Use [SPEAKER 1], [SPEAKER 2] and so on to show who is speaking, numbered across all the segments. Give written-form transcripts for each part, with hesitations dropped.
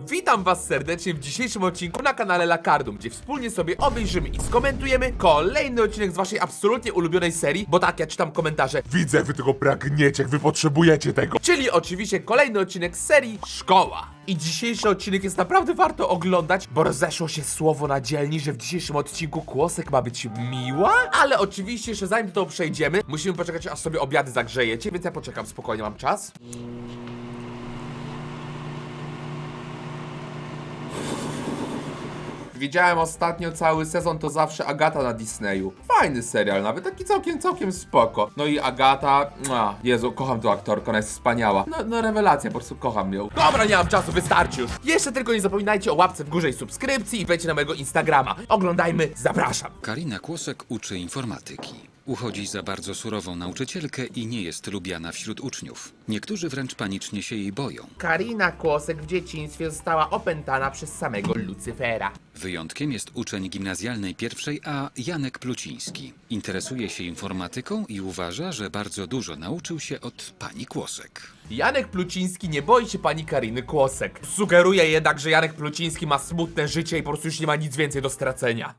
[SPEAKER 1] Witam was serdecznie w dzisiejszym odcinku na kanale Lakardum, gdzie wspólnie sobie obejrzymy i skomentujemy kolejny odcinek z waszej absolutnie ulubionej serii, bo tak, ja czytam komentarze, widzę, wy tego pragniecie, wy potrzebujecie tego. Czyli oczywiście kolejny odcinek z serii Szkoła. I dzisiejszy odcinek jest naprawdę warto oglądać, bo rozeszło się słowo na dzielni, że w dzisiejszym odcinku Kłosek ma być miła, ale oczywiście jeszcze zanim do tego przejdziemy, musimy poczekać, aż sobie obiady zagrzejecie, więc ja poczekam, spokojnie, mam czas. Widziałem ostatnio cały sezon, to zawsze Agata na Disneyu. Fajny serial, nawet taki całkiem spoko. No i Agata, Jezu, kocham tą aktorkę, ona jest wspaniała. No rewelacja, po prostu kocham ją. Dobra, nie mam czasu, wystarczy już. Jeszcze tylko nie zapominajcie o łapce w górze i subskrypcji i wejdźcie na mojego Instagrama. Oglądajmy, zapraszam.
[SPEAKER 2] Karina Kłosek uczy informatyki. Uchodzi za bardzo surową nauczycielkę i nie jest lubiana wśród uczniów. Niektórzy wręcz panicznie się jej boją.
[SPEAKER 1] Karina Kłosek w dzieciństwie została opętana przez samego Lucyfera.
[SPEAKER 2] Wyjątkiem jest uczeń gimnazjalnej pierwszej A Janek Pluciński. Interesuje się informatyką i uważa, że bardzo dużo nauczył się od pani Kłosek.
[SPEAKER 1] Janek Pluciński nie boi się pani Kariny Kłosek. Sugeruje jednak, że Janek Pluciński ma smutne życie i po prostu już nie ma nic więcej do stracenia.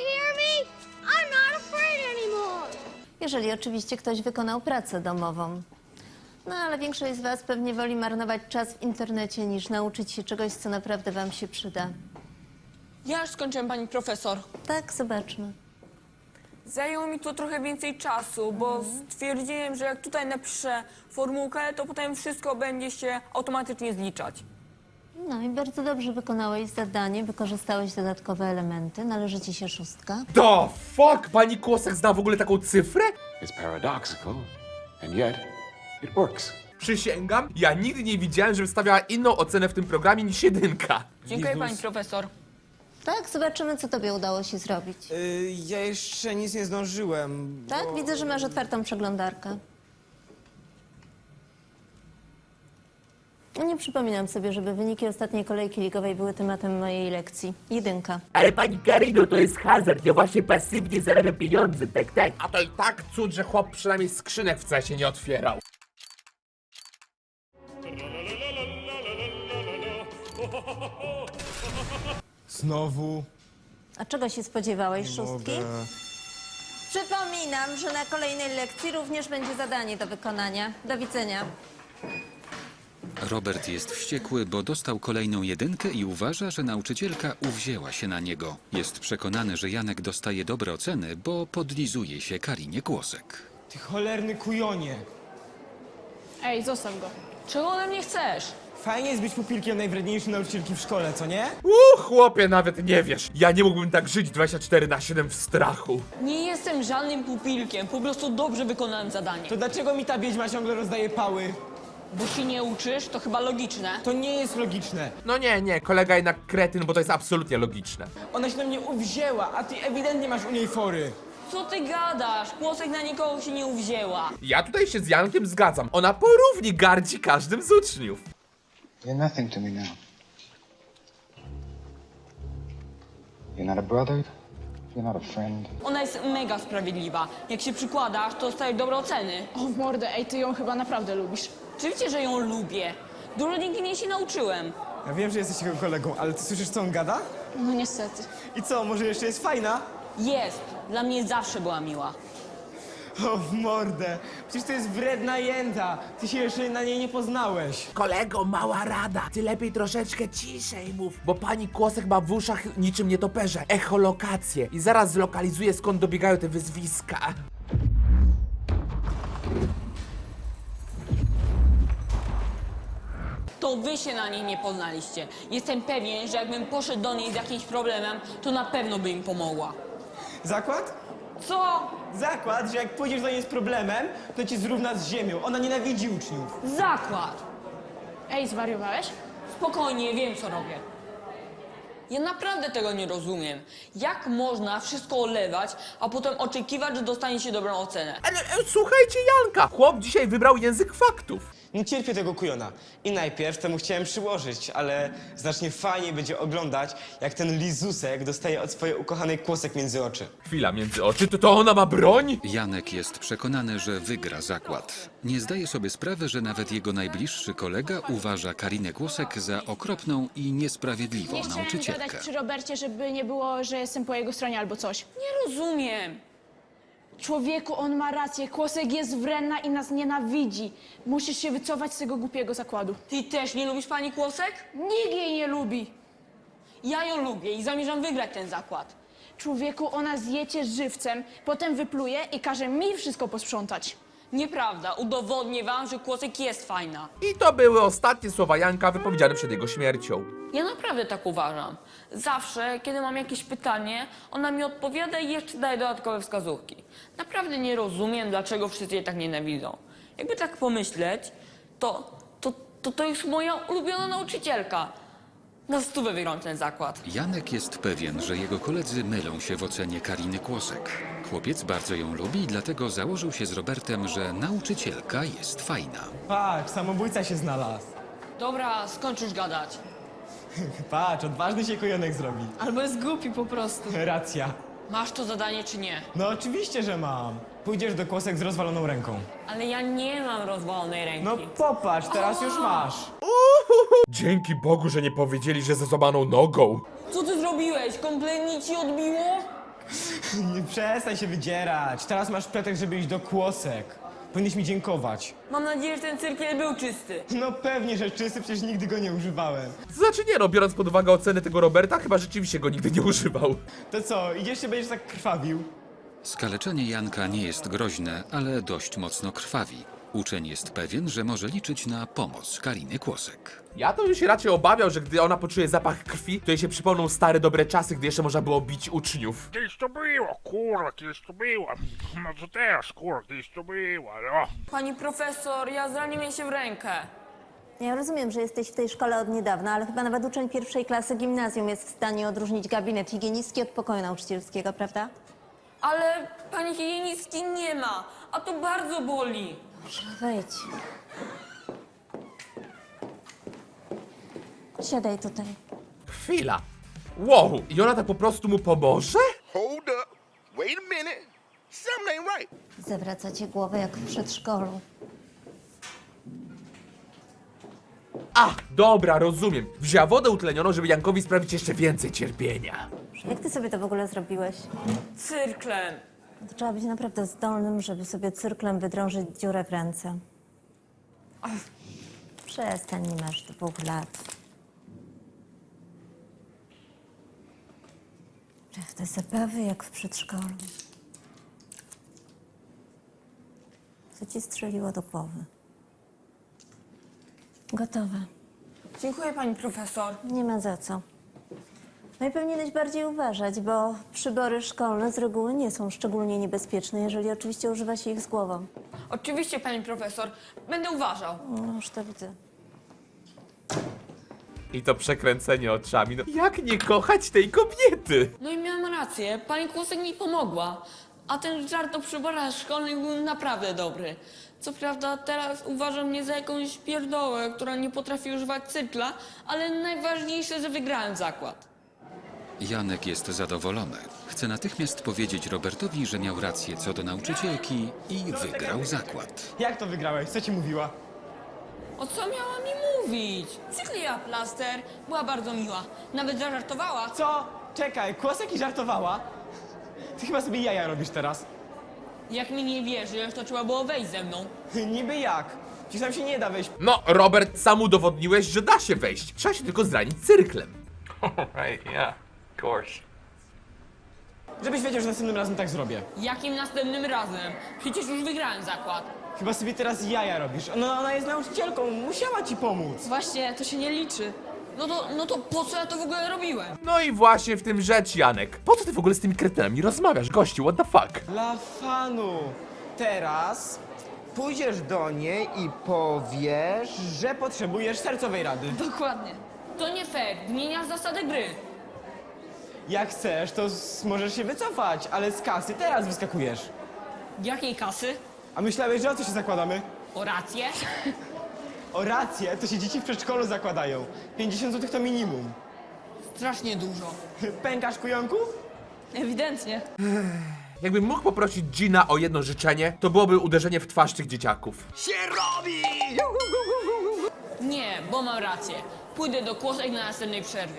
[SPEAKER 3] Jeżeli oczywiście ktoś wykonał pracę domową. No ale większość z was pewnie woli marnować czas w internecie niż nauczyć się czegoś, co naprawdę wam się przyda.
[SPEAKER 4] Ja już skończyłem, pani profesor.
[SPEAKER 3] Tak, zobaczmy.
[SPEAKER 4] Zajęło mi to trochę więcej czasu, bo stwierdziłem, że jak tutaj napiszę formułkę, to potem wszystko będzie się automatycznie zliczać.
[SPEAKER 3] No i bardzo dobrze wykonałeś zadanie, wykorzystałeś dodatkowe elementy, należy ci się 6.
[SPEAKER 1] The fuck? Pani Kłosek zna w ogóle taką cyfrę?
[SPEAKER 5] It's paradoxical, and yet it works.
[SPEAKER 1] Przysięgam, ja nigdy nie widziałem, żeby stawiała inną ocenę w tym programie niż 1.
[SPEAKER 4] Dziękuję, pani profesor.
[SPEAKER 3] Tak, zobaczymy, co tobie udało się zrobić.
[SPEAKER 6] Ja jeszcze nic nie zdążyłem.
[SPEAKER 3] Tak, widzę, że masz otwartą przeglądarkę. Nie przypominam sobie, żeby wyniki ostatniej kolejki ligowej były tematem mojej lekcji. 1.
[SPEAKER 7] Ale pani Karino, to jest hazard, ja właśnie pasywnie zarabiam pieniądze, tak.
[SPEAKER 1] A to i tak cud, że chłop przynajmniej skrzynek w CS nie otwierał.
[SPEAKER 6] Znowu.
[SPEAKER 3] A czego się spodziewałeś, 6?
[SPEAKER 6] Mogę.
[SPEAKER 3] Przypominam, że na kolejnej lekcji również będzie zadanie do wykonania. Do widzenia.
[SPEAKER 2] Robert jest wściekły, bo dostał kolejną 1 i uważa, że nauczycielka uwzięła się na niego. Jest przekonany, że Janek dostaje dobre oceny, bo podlizuje się Karinie Kłosek.
[SPEAKER 6] Ty cholerny kujonie.
[SPEAKER 8] Ej, zostaw go.
[SPEAKER 4] Czego ode mnie chcesz?
[SPEAKER 6] Fajnie jest być pupilkiem najwredniejszej nauczycielki w szkole, co nie?
[SPEAKER 1] Chłopie, nawet nie wiesz. Ja nie mógłbym tak żyć 24/7 w strachu.
[SPEAKER 4] Nie jestem żadnym pupilkiem, po prostu dobrze wykonałem zadanie.
[SPEAKER 6] To dlaczego mi ta wiedźma ciągle rozdaje pały?
[SPEAKER 4] Bo się nie uczysz, to chyba logiczne.
[SPEAKER 6] To nie jest logiczne.
[SPEAKER 1] No nie, kolega jednak kretyn, bo to jest absolutnie logiczne.
[SPEAKER 6] Ona się na mnie uwzięła, a ty ewidentnie masz u niej fory.
[SPEAKER 4] Co ty gadasz? Kłosek na nikogo się nie uwzięła.
[SPEAKER 1] Ja tutaj się z Jankiem zgadzam. Ona porówni gardzi każdym z uczniów.
[SPEAKER 9] You're nothing to me now. You're not a brother. You're not a friend.
[SPEAKER 4] Ona jest mega sprawiedliwa. Jak się przykładasz, to dostajesz dobre oceny.
[SPEAKER 8] O w mordę, ej, ty ją chyba naprawdę lubisz.
[SPEAKER 4] Oczywiście, że ją lubię. Dużo dzięki niej się nauczyłem.
[SPEAKER 6] Ja wiem, że jesteś jego kolegą, ale ty słyszysz, co on gada?
[SPEAKER 8] No niestety.
[SPEAKER 6] I co, może jeszcze jest fajna?
[SPEAKER 4] Jest. Dla mnie zawsze była miła.
[SPEAKER 6] O, w mordę. Przecież to jest wredna jęta. Ty się jeszcze na niej nie poznałeś.
[SPEAKER 7] Kolego, mała rada, ty lepiej troszeczkę ciszej mów.
[SPEAKER 1] Bo pani Kłosek ma w uszach niczym nietoperze echolokację i zaraz zlokalizuje, skąd dobiegają te wyzwiska.
[SPEAKER 4] To wy się na niej nie poznaliście. Jestem pewien, że jakbym poszedł do niej z jakimś problemem, to na pewno by im pomogła.
[SPEAKER 6] Zakład?
[SPEAKER 4] Co?
[SPEAKER 6] Zakład, że jak pójdziesz do niej z problemem, to cię zrówna z ziemią. Ona nienawidzi uczniów.
[SPEAKER 4] Zakład.
[SPEAKER 8] Ej, zwariowałeś?
[SPEAKER 4] Spokojnie, wiem co robię. Ja naprawdę tego nie rozumiem. Jak można wszystko olewać, a potem oczekiwać, że dostanie się dobrą ocenę?
[SPEAKER 1] Ale słuchajcie Janka, chłop dzisiaj wybrał język faktów.
[SPEAKER 6] Nie cierpię tego kujona. I najpierw temu chciałem przyłożyć, ale znacznie fajniej będzie oglądać, jak ten lizusek dostaje od swojej ukochanej kłosek między oczy.
[SPEAKER 1] Chwila, między oczy, to ona ma broń?
[SPEAKER 2] Janek jest przekonany, że wygra zakład. Nie zdaje sobie sprawy, że nawet jego najbliższy kolega uważa Karinę Kłosek za okropną i niesprawiedliwą
[SPEAKER 8] Nie chciałem
[SPEAKER 2] nauczycielkę.
[SPEAKER 8] gadać przy Robercie, żeby nie było, że jestem po jego stronie albo coś.
[SPEAKER 4] Nie rozumiem.
[SPEAKER 8] Człowieku, on ma rację. Kłosek jest wredna i nas nienawidzi. Musisz się wycofać z tego głupiego zakładu.
[SPEAKER 4] Ty też nie lubisz pani Kłosek?
[SPEAKER 8] Nikt jej nie lubi.
[SPEAKER 4] Ja ją lubię i zamierzam wygrać ten zakład.
[SPEAKER 8] Człowieku, ona zje cię żywcem, potem wypluje i każe mi wszystko posprzątać.
[SPEAKER 4] Nieprawda, udowodnię wam, że Kłosek jest fajna.
[SPEAKER 1] I to były ostatnie słowa Janka wypowiedziane przed jego śmiercią.
[SPEAKER 4] Ja naprawdę tak uważam. Zawsze, kiedy mam jakieś pytanie, ona mi odpowiada i jeszcze daje dodatkowe wskazówki. Naprawdę nie rozumiem, dlaczego wszyscy jej tak nienawidzą. Jakby tak pomyśleć, to już moja ulubiona nauczycielka. Na 100 wygram ten zakład.
[SPEAKER 2] Janek jest pewien, że jego koledzy mylą się w ocenie Kariny Kłosek. Chłopiec bardzo ją lubi i dlatego założył się z Robertem, że nauczycielka jest fajna.
[SPEAKER 6] Patrz, samobójca się znalazł.
[SPEAKER 4] Dobra, skończ już gadać.
[SPEAKER 6] Patrz, odważny się kujonek zrobi.
[SPEAKER 8] Albo jest głupi po prostu.
[SPEAKER 6] Racja.
[SPEAKER 4] Masz to zadanie czy nie?
[SPEAKER 6] No oczywiście, że mam. Pójdziesz do kłosek z rozwaloną ręką.
[SPEAKER 4] Ale ja nie mam rozwalonej ręki.
[SPEAKER 6] No popatrz, teraz już masz.
[SPEAKER 1] Dzięki Bogu, że nie powiedzieli, że ze złamaną nogą.
[SPEAKER 4] Co ty zrobiłeś? Kompletnie ci odbiło?
[SPEAKER 6] Nie przestań się wydzierać. Teraz masz pretekst, żeby iść do kłosek. Powinieneś mi dziękować.
[SPEAKER 4] Mam nadzieję, że ten cyrkiel był czysty.
[SPEAKER 6] No pewnie, że czysty, przecież nigdy go nie używałem.
[SPEAKER 1] To znaczy nie no, biorąc pod uwagę ocenę tego Roberta, chyba rzeczywiście go nigdy nie używał.
[SPEAKER 6] To co, idziesz się będziesz tak krwawił?
[SPEAKER 2] Skaleczenie Janka nie jest groźne, ale dość mocno krwawi. Uczeń jest pewien, że może liczyć na pomoc Kariny Kłosek.
[SPEAKER 1] Ja to bym się raczej obawiał, że gdy ona poczuje zapach krwi, to jej się przypomną stare dobre czasy, gdy jeszcze można było bić uczniów.
[SPEAKER 10] Kiedyś to było, kurwa, kiedyś to było. No co teraz, kurwa, kiedyś to było, no.
[SPEAKER 4] Pani profesor, ja zraniłem się w rękę.
[SPEAKER 3] Ja rozumiem, że jesteś w tej szkole od niedawna, ale chyba nawet uczeń pierwszej klasy gimnazjum jest w stanie odróżnić gabinet higienistki od pokoju nauczycielskiego, prawda?
[SPEAKER 4] Ale pani higienistki nie ma, a to bardzo boli.
[SPEAKER 3] Wejdź. Siadaj tutaj.
[SPEAKER 1] Chwila. Wow, i ona tak po prostu mu pomoże?
[SPEAKER 10] Hold up, wait a minute, something ain't right.
[SPEAKER 3] Zawraca cię głowę jak w przedszkolu.
[SPEAKER 1] A, dobra, rozumiem. Wzięła wodę utlenioną, żeby Jankowi sprawić jeszcze więcej cierpienia.
[SPEAKER 3] Jak ty sobie to w ogóle zrobiłeś?
[SPEAKER 4] Cyrklem.
[SPEAKER 3] To trzeba być naprawdę zdolnym, żeby sobie cyrklem wydrążyć dziurę w ręce. Przestań, nie masz 2 lat. Prawda, zabawy jak w przedszkolu. Co ci strzeliło do głowy? Gotowe.
[SPEAKER 4] Dziękuję pani profesor.
[SPEAKER 3] Nie ma za co. No i powinieneś bardziej uważać, bo przybory szkolne z reguły nie są szczególnie niebezpieczne, jeżeli oczywiście używa się ich z głową.
[SPEAKER 4] Oczywiście pani profesor, będę uważał.
[SPEAKER 3] No już to widzę.
[SPEAKER 1] I to przekręcenie oczami. No, jak nie kochać tej kobiety?
[SPEAKER 4] No i miałam rację, pani Kłosek mi pomogła. A ten żart o przyborach szkolnych był naprawdę dobry. Co prawda teraz uważam mnie za jakąś pierdołę, która nie potrafi używać cykla, ale najważniejsze, że wygrałem zakład.
[SPEAKER 2] Janek jest zadowolony. Chce natychmiast powiedzieć Robertowi, że miał rację co do nauczycielki i wygrał zakład.
[SPEAKER 6] Jak to wygrałeś? Co ci mówiła?
[SPEAKER 4] O co miała mi mówić? Przykleiła plaster, była bardzo miła. Nawet zażartowała.
[SPEAKER 6] Co? Czekaj, kłosek i żartowała? Ty chyba sobie jaja robisz teraz.
[SPEAKER 4] Jak mi nie wierzysz, to trzeba było wejść ze mną.
[SPEAKER 6] Niby jak? Przecież tam się nie da wejść.
[SPEAKER 1] No, Robert, sam udowodniłeś, że da się wejść. Trzeba się tylko zranić cyrklem.
[SPEAKER 5] Right, yeah, of course.
[SPEAKER 6] Żebyś wiedział, że następnym razem tak zrobię.
[SPEAKER 4] Jakim następnym razem? Przecież już wygrałem zakład.
[SPEAKER 6] Chyba sobie teraz jaja robisz. Ona jest nauczycielką, musiała ci pomóc.
[SPEAKER 8] Właśnie, to się nie liczy.
[SPEAKER 4] No to po co ja to w ogóle robiłem?
[SPEAKER 1] No i właśnie w tym rzecz, Janek. Po co ty w ogóle z tymi kretynami rozmawiasz, gościu? What the fuck?
[SPEAKER 6] Dla fanu. Teraz pójdziesz do niej i powiesz, że potrzebujesz sercowej rady.
[SPEAKER 8] Dokładnie.
[SPEAKER 4] To nie fair, zmieniasz zasady gry.
[SPEAKER 6] Jak chcesz, to możesz się wycofać, ale z kasy teraz wyskakujesz.
[SPEAKER 4] Jakiej kasy?
[SPEAKER 6] A myślałeś, że o co się zakładamy?
[SPEAKER 4] O rację?
[SPEAKER 6] O rację, to się dzieci w przedszkolu zakładają. 50 zł to minimum.
[SPEAKER 4] Strasznie dużo.
[SPEAKER 6] Pękasz, kujonku?
[SPEAKER 4] Ewidentnie.
[SPEAKER 1] Jakbym mógł poprosić Gina o jedno życzenie, to byłoby uderzenie w twarz tych dzieciaków.
[SPEAKER 4] Nie, bo mam rację. Pójdę do kłosek na następnej przerwie.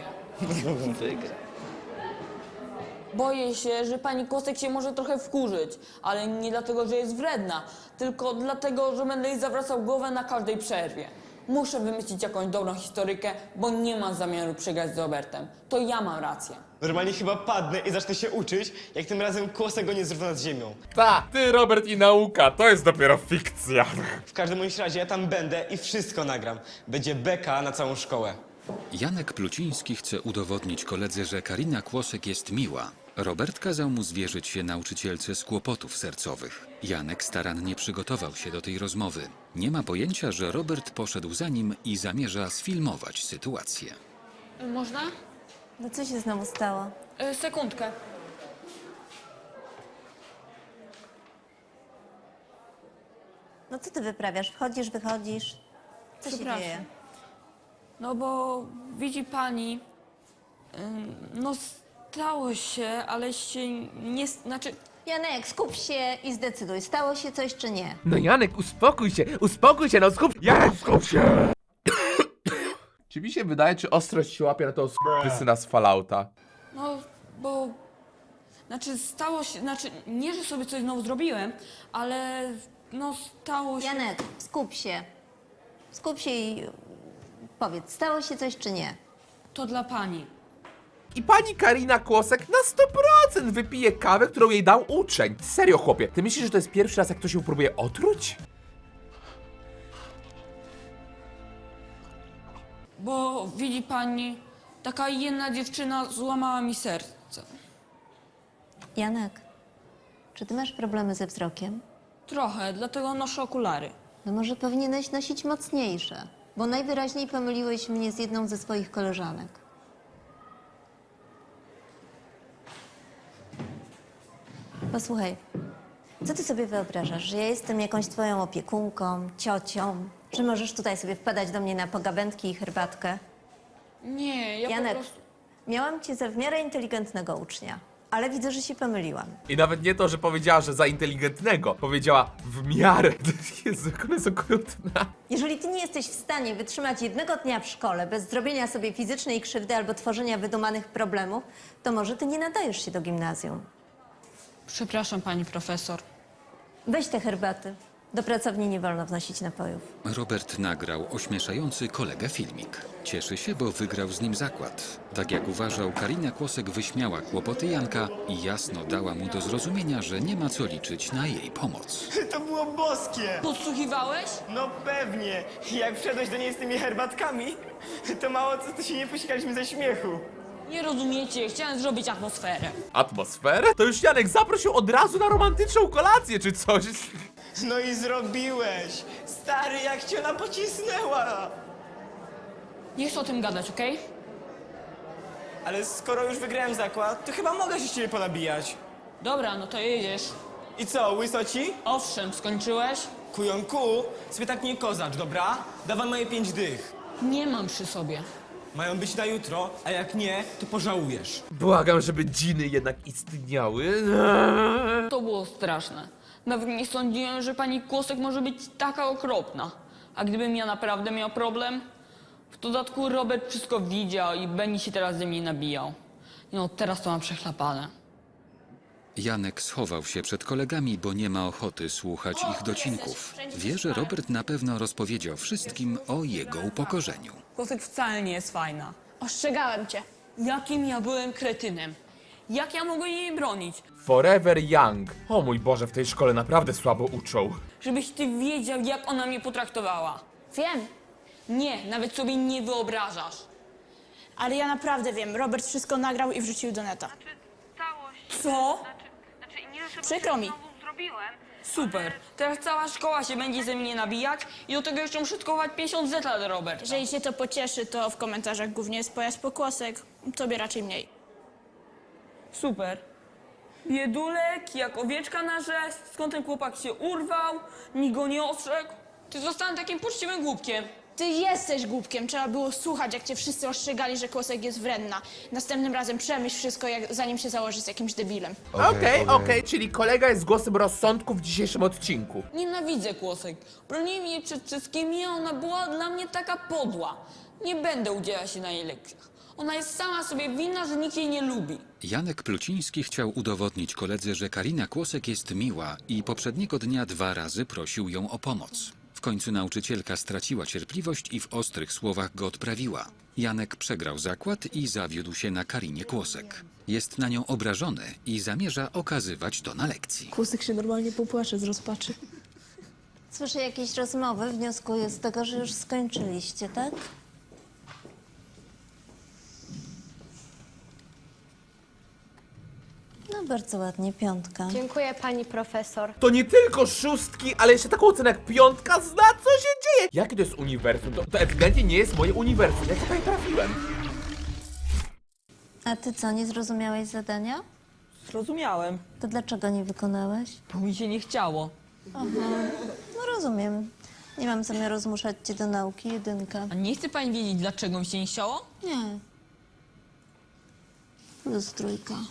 [SPEAKER 4] Boję się, że pani Kłosek się może trochę wkurzyć, ale nie dlatego, że jest wredna, tylko dlatego, że będę jej zawracał głowę na każdej przerwie. Muszę wymyślić jakąś dobrą historykę, bo nie mam zamiaru przegrać z Robertem. To ja mam rację.
[SPEAKER 6] Normalnie chyba padnę i zacznę się uczyć, jak tym razem kłosek go nie zrówna z ziemią.
[SPEAKER 1] Ta, ty, Robert i nauka, to jest dopiero fikcja.
[SPEAKER 6] W każdym bądź razie ja tam będę i wszystko nagram. Będzie beka na całą szkołę.
[SPEAKER 2] Janek Pluciński chce udowodnić koledze, że Karina Kłosek jest miła. Robert kazał mu zwierzyć się nauczycielce z kłopotów sercowych. Janek starannie przygotował się do tej rozmowy. Nie ma pojęcia, że Robert poszedł za nim i zamierza sfilmować sytuację.
[SPEAKER 4] Można?
[SPEAKER 3] No co się znowu stało?
[SPEAKER 4] Sekundkę.
[SPEAKER 3] No co ty wyprawiasz? Wchodzisz, wychodzisz? Co się
[SPEAKER 4] Przepraszam.
[SPEAKER 3] dzieje?
[SPEAKER 4] No bo widzi pani, no stało się, ale się nie, znaczy...
[SPEAKER 3] Janek, skup się i zdecyduj, stało się coś czy nie.
[SPEAKER 1] No Janek, uspokój się, no skup... Janek, skup się! Czy mi się wydaje, czy ostrość się łapie na to syna z Fallouta?
[SPEAKER 4] No, bo... Znaczy, stało się... Znaczy, nie, że sobie coś znowu zrobiłem, ale... No, stało się...
[SPEAKER 3] Janek, skup się. Skup się i powiedz, stało się coś czy nie.
[SPEAKER 4] To dla pani.
[SPEAKER 1] I pani Karina Kłosek na 100% wypije kawę, którą jej dał uczeń. Serio, chłopie, ty myślisz, że to jest pierwszy raz, jak ktoś ją próbuje otruć?
[SPEAKER 4] Bo widzi pani, taka jedna dziewczyna złamała mi serce.
[SPEAKER 3] Janek, czy ty masz problemy ze wzrokiem?
[SPEAKER 4] Trochę, dlatego noszę okulary.
[SPEAKER 3] No może powinieneś nosić mocniejsze, bo najwyraźniej pomyliłeś mnie z jedną ze swoich koleżanek. Posłuchaj, co ty sobie wyobrażasz, że ja jestem jakąś twoją opiekunką, ciocią? Czy możesz tutaj sobie wpadać do mnie na pogawędki i herbatkę?
[SPEAKER 4] Nie, ja
[SPEAKER 3] Janek,
[SPEAKER 4] po prostu...
[SPEAKER 3] miałam cię za w miarę inteligentnego ucznia, ale widzę, że się pomyliłam.
[SPEAKER 1] I nawet nie to, że powiedziała, że za inteligentnego. Powiedziała w miarę. Jezu, jak ona jest okrutna.
[SPEAKER 3] Jeżeli ty nie jesteś w stanie wytrzymać jednego dnia w szkole bez zrobienia sobie fizycznej krzywdy albo tworzenia wydumanych problemów, to może ty nie nadajesz się do gimnazjum.
[SPEAKER 4] Przepraszam, pani profesor.
[SPEAKER 3] Weź te herbaty. Do pracowni nie wolno wnosić napojów.
[SPEAKER 2] Robert nagrał ośmieszający kolegę filmik. Cieszy się, bo wygrał z nim zakład. Tak jak uważał, Karina Kłosek wyśmiała kłopoty Janka i jasno dała mu do zrozumienia, że nie ma co liczyć na jej pomoc.
[SPEAKER 6] To było boskie!
[SPEAKER 4] Podsłuchiwałeś?
[SPEAKER 6] No pewnie! Jak wszedłeś do niej z tymi herbatkami, to mało co to się nie posikaliśmy ze śmiechu.
[SPEAKER 4] Nie rozumiecie, chciałem zrobić atmosferę.
[SPEAKER 1] Atmosferę? To już Janek zaprosił od razu na romantyczną kolację czy coś.
[SPEAKER 6] No i zrobiłeś! Stary, jak cię ona pocisnęła!
[SPEAKER 4] Nie chcę o tym gadać, okej?
[SPEAKER 6] Ale skoro już wygrałem zakład, to chyba mogę się z ciebie ponabijać.
[SPEAKER 4] Dobra, no to jedziesz.
[SPEAKER 6] I co, łysoci?
[SPEAKER 4] Owszem, skończyłeś?
[SPEAKER 6] Kujonku, sobie tak nie kozacz, dobra? Dawaj moje 5 dych.
[SPEAKER 4] Nie mam przy sobie.
[SPEAKER 6] Mają być na jutro, a jak nie, to pożałujesz.
[SPEAKER 1] Błagam, żeby dżiny jednak istniały.
[SPEAKER 4] To było straszne. Nawet nie sądziłem, że pani Kłosek może być taka okropna. A gdybym ja naprawdę miał problem? W dodatku Robert wszystko widział i będzie się teraz ze mnie nabijał. No, teraz to mam przechlapane.
[SPEAKER 2] Janek schował się przed kolegami, bo nie ma ochoty słuchać ich docinków. Wie, że Robert na pewno rozpowiedział wszystkim o jego upokorzeniu.
[SPEAKER 4] Kłosek wcale nie jest fajna.
[SPEAKER 8] Ostrzegałem cię.
[SPEAKER 4] Jakim ja byłem kretynem? Jak ja mogłem jej bronić?
[SPEAKER 1] Forever Young. O mój Boże, w tej szkole naprawdę słabo uczą.
[SPEAKER 4] Żebyś ty wiedział, jak ona mnie potraktowała.
[SPEAKER 8] Wiem,
[SPEAKER 4] Nie, nawet sobie nie wyobrażasz.
[SPEAKER 8] ale ja naprawdę wiem. Robert wszystko nagrał i wrzucił do neta.
[SPEAKER 4] Co?
[SPEAKER 8] Przykro mi.
[SPEAKER 4] Super. Teraz cała szkoła się będzie ze mnie nabijać i do tego jeszcze muszę skować 50 zeta do Roberta.
[SPEAKER 8] Jeżeli cię to pocieszy, to w komentarzach głównie jest pojazd pokłosek. Tobie raczej mniej.
[SPEAKER 4] Super. Biedulek, jak owieczka na rzeź, skąd ten chłopak się urwał, nikt go nie ostrzegł. Ty zostanę takim poczciwym głupkiem.
[SPEAKER 8] Ty jesteś głupkiem. Trzeba było słuchać, jak cię wszyscy ostrzegali, że Kłosek jest wredna. Następnym razem przemyśl wszystko, zanim się założysz z jakimś debilem.
[SPEAKER 1] Okej, czyli kolega jest głosem rozsądku w dzisiejszym odcinku.
[SPEAKER 4] Nienawidzę Kłosek. Broniłem jej przed wszystkimi, a ona była dla mnie taka podła. Nie będę udzielać się na jej lekcjach. Ona jest sama sobie winna, że nikt jej nie lubi.
[SPEAKER 2] Janek Pluciński chciał udowodnić koledze, że Karina Kłosek jest miła i poprzedniego dnia 2 razy prosił ją o pomoc. W końcu nauczycielka straciła cierpliwość i w ostrych słowach go odprawiła. Janek przegrał zakład i zawiódł się na Karinie Kłosek. Jest na nią obrażony i zamierza okazywać to na lekcji.
[SPEAKER 8] Kłosek się normalnie popłacze z rozpaczy.
[SPEAKER 3] Słyszę jakieś rozmowy, wnioskuję z tego, że już skończyliście, tak? No bardzo ładnie, 5.
[SPEAKER 11] Dziękuję, pani profesor.
[SPEAKER 1] To nie tylko 6, ale jeszcze taką ocenę jak 5 zna, co się dzieje. Jakie to jest uniwersum? To ewidentnie nie jest moje uniwersum. Jak ja tutaj trafiłem?
[SPEAKER 3] A ty co, nie zrozumiałeś zadania?
[SPEAKER 4] Zrozumiałem,
[SPEAKER 3] To dlaczego nie wykonałeś?
[SPEAKER 4] bo mi się nie chciało.
[SPEAKER 3] No rozumiem. Nie mam zamiaru zmuszać cię do nauki, 1.
[SPEAKER 4] A nie chce pani wiedzieć, dlaczego mi się nie chciało?
[SPEAKER 3] Nie. +3.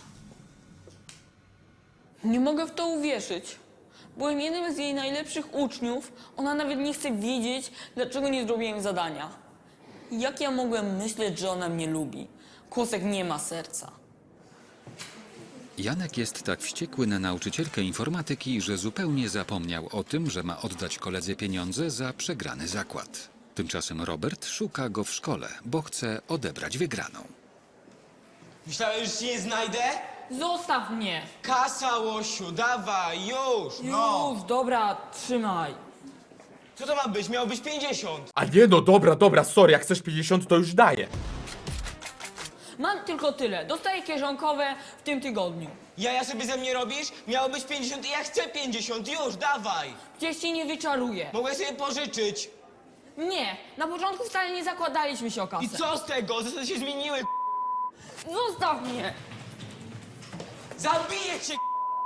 [SPEAKER 4] Nie mogę w to uwierzyć. Byłem jednym z jej najlepszych uczniów. Ona nawet nie chce wiedzieć, dlaczego nie zrobiłem zadania. Jak ja mogłem myśleć, że ona mnie lubi? Kłosek nie ma serca.
[SPEAKER 2] Janek jest tak wściekły na nauczycielkę informatyki, że zupełnie zapomniał o tym, że ma oddać koledze pieniądze za przegrany zakład. Tymczasem Robert szuka go w szkole, bo chce odebrać wygraną.
[SPEAKER 6] Myślałeś, że cię nie znajdę?
[SPEAKER 4] Zostaw mnie!
[SPEAKER 6] Kasa, łosiu, dawaj, już!
[SPEAKER 4] Już, dobra, trzymaj.
[SPEAKER 6] Co to ma być? Miało być 50.
[SPEAKER 1] A nie no, dobra, sorry, jak chcesz 50 to już daję.
[SPEAKER 4] Mam tylko tyle. Dostaję kieszonkowe w tym tygodniu.
[SPEAKER 6] Jaja sobie ze mnie robisz? Miało być 50 i ja chcę 50, już, dawaj!
[SPEAKER 4] Gdzieś ci nie wyczaruję.
[SPEAKER 6] Mogę sobie pożyczyć.
[SPEAKER 4] Nie, na początku wcale nie zakładaliśmy się o kasę.
[SPEAKER 6] I co z tego? Zasady się zmieniły.
[SPEAKER 4] Zostaw mnie!
[SPEAKER 6] Zabiję cię!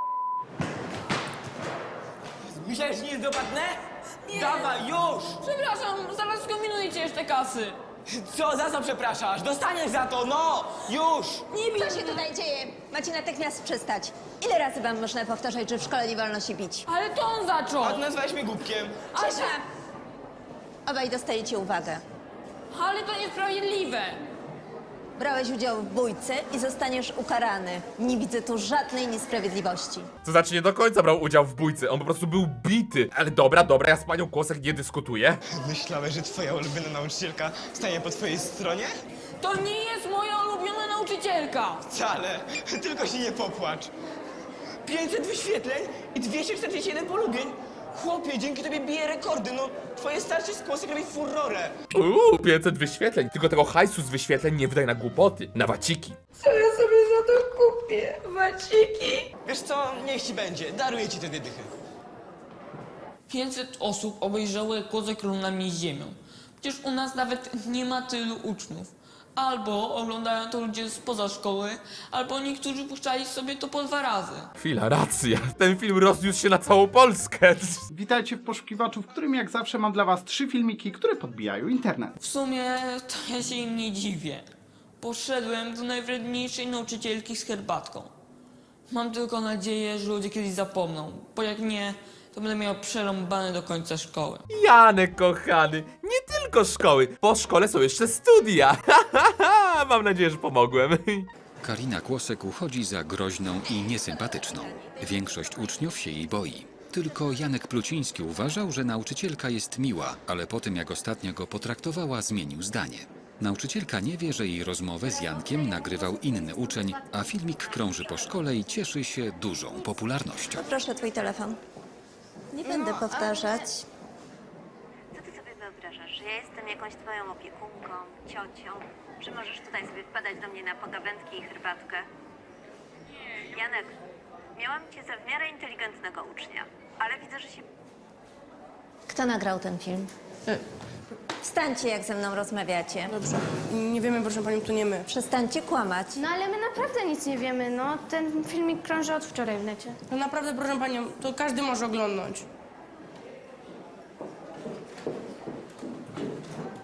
[SPEAKER 6] Myślałeś, że nie jest dopadnę?
[SPEAKER 4] Nie.
[SPEAKER 6] Dawaj, już!
[SPEAKER 4] Przepraszam, zaraz skombinuję ci jeszcze kasy.
[SPEAKER 6] Co, za co przepraszasz? Dostaniesz za to, no! Już!
[SPEAKER 4] Nie bij
[SPEAKER 3] Co się tutaj dzieje? Macie natychmiast przestać. Ile razy wam można powtarzać, że w szkole nie wolno się bić?
[SPEAKER 4] Ale to on zaczął.
[SPEAKER 6] A ty nazwałeś mnie głupkiem.
[SPEAKER 3] Cisza! Obaj dostajecie uwagę.
[SPEAKER 4] Ale to niesprawiedliwe.
[SPEAKER 3] Brałeś udział w bójce i zostaniesz ukarany. Nie widzę tu żadnej niesprawiedliwości.
[SPEAKER 1] To znaczy nie do końca brał udział w bójce, on po prostu był bity. Ale dobra, ja z panią Kłosek nie dyskutuję.
[SPEAKER 6] Myślałeś, że twoja ulubiona nauczycielka stanie po twojej stronie?
[SPEAKER 4] To nie jest moja ulubiona nauczycielka.
[SPEAKER 6] Wcale, tylko się nie popłacz. 500 wyświetleń i 247 polubień. Chłopie, dzięki tobie bije rekordy, no twoje starcie z Kłosek robi furorę.
[SPEAKER 1] 500 wyświetleń. Tylko tego hajsu z wyświetleń nie wydaj na głupoty, na waciki.
[SPEAKER 6] Wiesz co, niech ci będzie, daruję ci te dychy.
[SPEAKER 4] 500 osób obejrzało, jak Kłosek równa mnie z ziemią. Przecież u nas nawet nie ma tylu uczniów. Albo oglądają to ludzie spoza szkoły, albo niektórzy puszczali sobie to po 2 razy.
[SPEAKER 1] Chwila, racja. Ten film rozniósł się na całą Polskę.
[SPEAKER 12] Witajcie w poszukiwaczu, w którym jak zawsze mam dla was 3 filmiki, które podbijają internet.
[SPEAKER 4] W sumie to ja się im nie dziwię. Poszedłem do najwredniejszej nauczycielki z herbatką. Mam tylko nadzieję, że ludzie kiedyś zapomną, bo jak nie, to będę miał przerąbane do końca szkoły.
[SPEAKER 1] Janek, kochany, nie tylko szkoły. Po szkole są jeszcze studia. Mam nadzieję, że pomogłem.
[SPEAKER 2] Karina Kłosek uchodzi za groźną i niesympatyczną. Większość uczniów się jej boi. Tylko Janek Pluciński uważał, że nauczycielka jest miła, ale po tym jak ostatnio go potraktowała, zmienił zdanie. Nauczycielka nie wie, że jej rozmowę z Jankiem nagrywał inny uczeń, a filmik krąży po szkole i cieszy się dużą popularnością.
[SPEAKER 3] Proszę twój telefon. Nie będę powtarzać.
[SPEAKER 13] Co ty sobie wyobrażasz, że ja jestem jakąś twoją opiekunką, ciocią? Czy możesz tutaj sobie wpadać do mnie na pogawędki i herbatkę? Janek, miałam cię za w miarę inteligentnego ucznia, ale widzę, że się...
[SPEAKER 3] Kto nagrał ten film? Wstańcie, jak ze mną rozmawiacie.
[SPEAKER 11] Dobrze. Nie wiemy, proszę panią, to nie my.
[SPEAKER 3] Przestańcie kłamać.
[SPEAKER 11] No ale my naprawdę nic nie wiemy, no. Ten filmik krąży od wczoraj w necie. No naprawdę, proszę panią, to każdy może oglądnąć.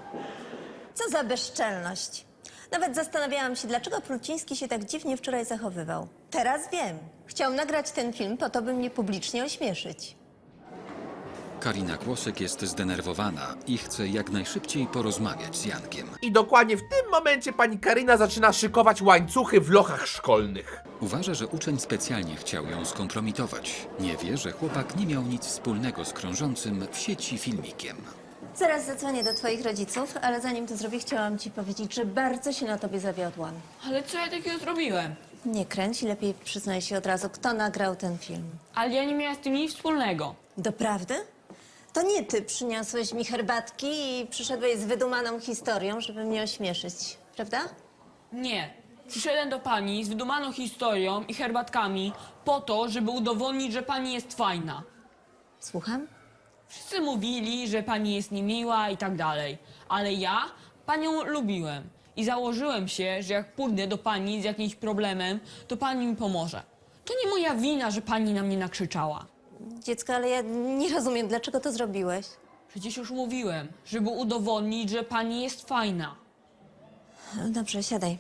[SPEAKER 3] Co za bezczelność. Nawet zastanawiałam się, dlaczego Pluciński się tak dziwnie wczoraj zachowywał. Teraz wiem. Chciał nagrać ten film po to, by mnie publicznie ośmieszyć.
[SPEAKER 2] Karina Kłosek jest zdenerwowana i chce jak najszybciej porozmawiać z Jankiem.
[SPEAKER 1] I dokładnie w tym momencie pani Karina zaczyna szykować łańcuchy w lochach szkolnych.
[SPEAKER 2] Uważa, że uczeń specjalnie chciał ją skompromitować. Nie wie, że chłopak nie miał nic wspólnego z krążącym w sieci filmikiem.
[SPEAKER 3] Zaraz zadzwonię do twoich rodziców, ale zanim to zrobię, chciałam ci powiedzieć, że bardzo się na tobie zawiodłam.
[SPEAKER 4] Ale co ja takiego zrobiłem?
[SPEAKER 3] Nie kręć i lepiej przyznaj się od razu, kto nagrał ten film.
[SPEAKER 4] Ale ja nie miałam z tym nic wspólnego.
[SPEAKER 3] Doprawdy? To nie ty przyniosłeś mi herbatki i przyszedłeś z wydumaną historią, żeby mnie ośmieszyć, prawda?
[SPEAKER 4] Nie. Przyszedłem do pani z wydumaną historią i herbatkami po to, żeby udowodnić, że pani jest fajna.
[SPEAKER 3] Słucham?
[SPEAKER 4] Wszyscy mówili, że pani jest niemiła i tak dalej. Ale ja panią lubiłem. I założyłem się, że jak pójdę do pani z jakimś problemem, to pani mi pomoże. To nie moja wina, że pani na mnie nakrzyczała.
[SPEAKER 3] Dziecko, ale ja nie rozumiem, dlaczego to zrobiłeś.
[SPEAKER 4] Przecież już mówiłem, żeby udowodnić, że pani jest fajna.
[SPEAKER 3] Dobrze, siadaj.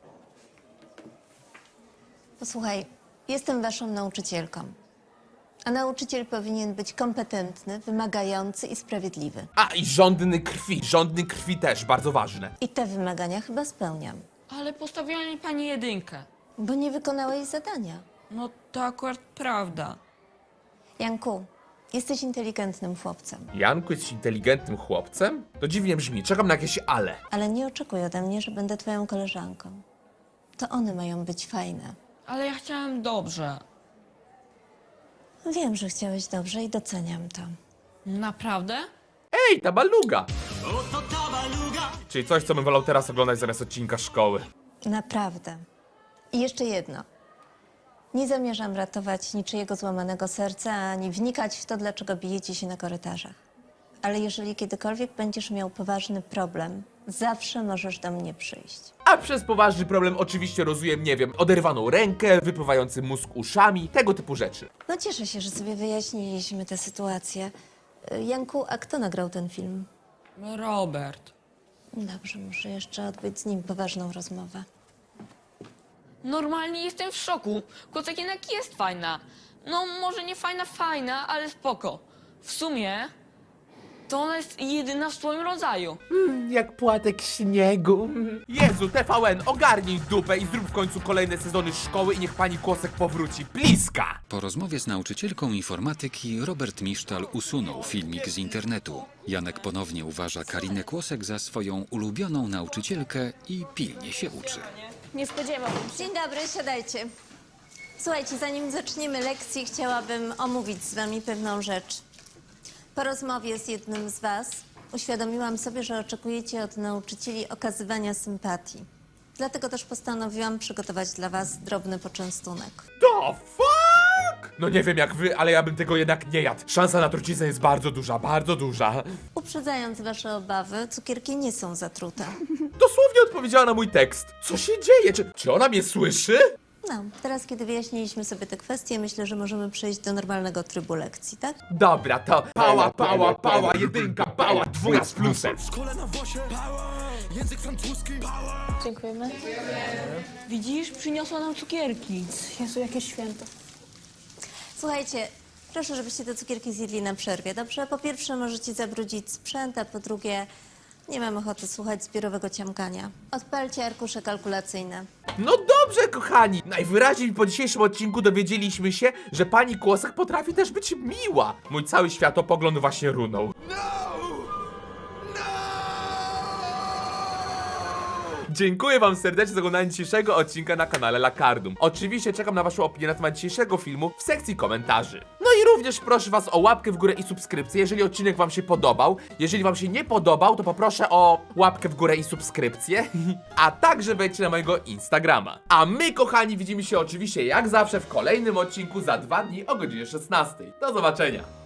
[SPEAKER 3] Posłuchaj, jestem waszą nauczycielką. A nauczyciel powinien być kompetentny, wymagający i sprawiedliwy.
[SPEAKER 1] A i żądny krwi też, bardzo ważne.
[SPEAKER 3] I te wymagania chyba spełniam.
[SPEAKER 4] Ale postawiła mi pani 1.
[SPEAKER 3] Bo nie wykonałeś zadania.
[SPEAKER 4] No to akurat prawda.
[SPEAKER 3] Janku, jesteś inteligentnym chłopcem.
[SPEAKER 1] Janku, jesteś inteligentnym chłopcem? To dziwnie brzmi, czekam na jakieś ale.
[SPEAKER 3] Ale nie oczekuj ode mnie, że będę twoją koleżanką. To one mają być fajne.
[SPEAKER 4] Ale ja chciałem dobrze.
[SPEAKER 3] Wiem, że chciałeś dobrze i doceniam to.
[SPEAKER 4] Naprawdę?
[SPEAKER 1] Ej, ta baluga! Czyli coś, co bym wolał teraz oglądać zamiast odcinka szkoły.
[SPEAKER 3] Naprawdę. I jeszcze jedno. Nie zamierzam ratować niczyjego złamanego serca, ani wnikać w to, dlaczego bijecie się na korytarzach. Ale jeżeli kiedykolwiek będziesz miał poważny problem, zawsze możesz do mnie przyjść.
[SPEAKER 1] A przez poważny problem oczywiście rozumiem, nie wiem, oderwaną rękę, wypływający mózg uszami, tego typu rzeczy.
[SPEAKER 3] No cieszę się, że sobie wyjaśniliśmy tę sytuację. Janku, a kto nagrał ten film?
[SPEAKER 4] Robert.
[SPEAKER 3] Dobrze, muszę jeszcze odbyć z nim poważną rozmowę.
[SPEAKER 4] Normalnie jestem w szoku. Kocek jednak jest fajna. No może nie fajna, ale spoko. W sumie to ona jest jedyna w swoim rodzaju.
[SPEAKER 1] Jak płatek śniegu. Jezu, TVN, ogarnij dupę i zrób w końcu kolejne sezony szkoły i niech pani Kłosek powróci. Bliska!
[SPEAKER 2] Po rozmowie z nauczycielką informatyki Robert Misztal usunął filmik z internetu. Janek ponownie uważa Karinę Kłosek za swoją ulubioną nauczycielkę i pilnie się uczy.
[SPEAKER 8] Nie spodziewałbym się.
[SPEAKER 3] Dzień dobry, siadajcie. Słuchajcie, zanim zaczniemy lekcję, chciałabym omówić z wami pewną rzecz. Po rozmowie z jednym z was uświadomiłam sobie, że oczekujecie od nauczycieli okazywania sympatii. Dlatego też postanowiłam przygotować dla was drobny poczęstunek.
[SPEAKER 1] The fuck? No nie wiem jak wy, ale ja bym tego jednak nie jadł. Szansa na truciznę jest bardzo duża, bardzo duża.
[SPEAKER 3] Uprzedzając wasze obawy, cukierki nie są zatrute.
[SPEAKER 1] Dosłownie odpowiedziała na mój tekst. Co się dzieje? Czy ona mnie słyszy?
[SPEAKER 3] No, teraz kiedy wyjaśniliśmy sobie te kwestie, myślę, że możemy przejść do normalnego trybu lekcji, tak?
[SPEAKER 1] Dobra, to pała, jedynka, pała, dwójka z plusem.
[SPEAKER 8] Dziękujemy.
[SPEAKER 4] Widzisz, przyniosła nam cukierki.
[SPEAKER 8] Jezu, jakie święto.
[SPEAKER 3] Słuchajcie, proszę, żebyście te cukierki zjedli na przerwie, dobrze? Po pierwsze możecie zabrudzić sprzęt, a po drugie nie mam ochoty słuchać zbiorowego ciamkania. Odpalcie arkusze kalkulacyjne.
[SPEAKER 1] No dobrze, kochani. Najwyraźniej po dzisiejszym odcinku dowiedzieliśmy się, że pani Kłosek potrafi też być miła. Mój cały światopogląd właśnie runął. Dziękuję wam serdecznie za oglądanie dzisiejszego odcinka na kanale Lakardum. Oczywiście czekam na waszą opinię na temat dzisiejszego filmu w sekcji komentarzy. No i również proszę was o łapkę w górę i subskrypcję, jeżeli odcinek wam się podobał. Jeżeli wam się nie podobał, to poproszę o łapkę w górę i subskrypcję. A także wejdźcie na mojego Instagrama. A my, kochani, widzimy się oczywiście jak zawsze w kolejnym odcinku za 2 dni o godzinie 16. Do zobaczenia.